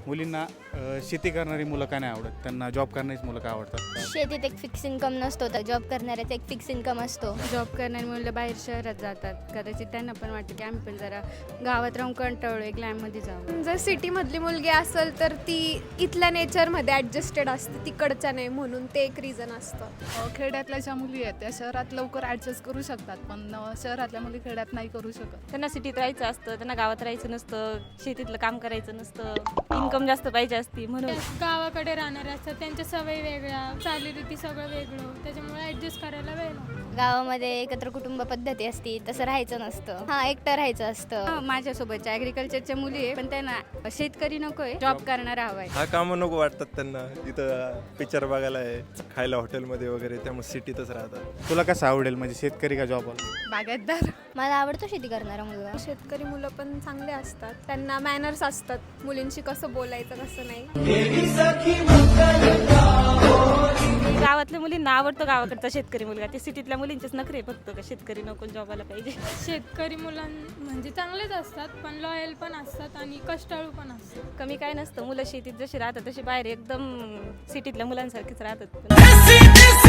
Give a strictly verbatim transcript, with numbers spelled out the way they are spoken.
मुलींना अ, शेती करणारी मुलं का नाही आवडत, त्यांना जॉब करणारीच मुलं का आवडतात? शेतीत एक फिक्स इन्कम नसतो, तर जॉब करणाऱ्याचा एक फिक्स इन्कम असतो. जॉब करणारी मुलं बाहेर शहरात जातात, कदाचित त्यांना पण वाटतं की आम्ही पण जरा गावात राहून कंटाळलो, एक लॅबमध्ये जाऊ. जर सिटीमधली मुलगी असेल तर ती इथल्या नेचरमध्ये ॲडजस्टेड असते, तिकडच्या नाही, म्हणून ते एक रिझन असतं. खेड्यातल्या ज्या मुली आहेत त्या शहरात लवकर ॲडजस्ट करू शकतात, पण अ, शहरातल्या मुली खेड्यात नाही करू शकत. त्यांना सिटीत राहायचं असतं, त्यांना गावात राहायचं नसतं, शेतीतलं काम करायचं नसतं, इन्कम जास्त पाहिजे असती म्हणून. गावाकडे राहणारे असतात, त्यांच्या सवयी वेगळ्या, चालीरीती सगळं वेगळं, त्याच्यामुळे ॲडजस्ट करायला वेळ लागतो. गावामध्ये एकत्र कुटुंब पद्धती असती, तसं राहायचं नसतं. हा एकटं राहायचं असतं. हा, माझ्यासोबतच्या ॲग्रिकल्चरच्या मुली आहे, पण त्यांना शेतकरी नकोय, जॉब करणारा हवाय. हा कामं नको वाटतात त्यांना. इथं पिक्चर बघायला आहे, खायला हॉटेलमध्ये वगैरे, त्यामुळे सिटीतच राहतात. तुला कसं आवडेल, म्हणजे शेतकरी का जॉब? बागायतदार. मला आवडतो शेती करणारा मुलगा. शेतकरी मुलं पण चांगले असतात, त्यांना मॅनर्स असतात, मुलींशी कसं बोलायचं कसं नाही. गावातल्या मुलींना आवडतो गावाकडचा शेतकरी मुलगा, ते सिटीतल्या मुलींचेच नखरे फक्त का शेतकरी नको जॉबाला पाहिजे. शेतकरी मुलां म्हणजे चांगलेच असतात, पण लॉयल पण असतात आणि कष्टाळू पण असतात. कमी काय नसतं, मुलं शेतीत जशी राहतात तशी बाहेर एकदम सिटीतल्या मुलांसारखीच राहतात.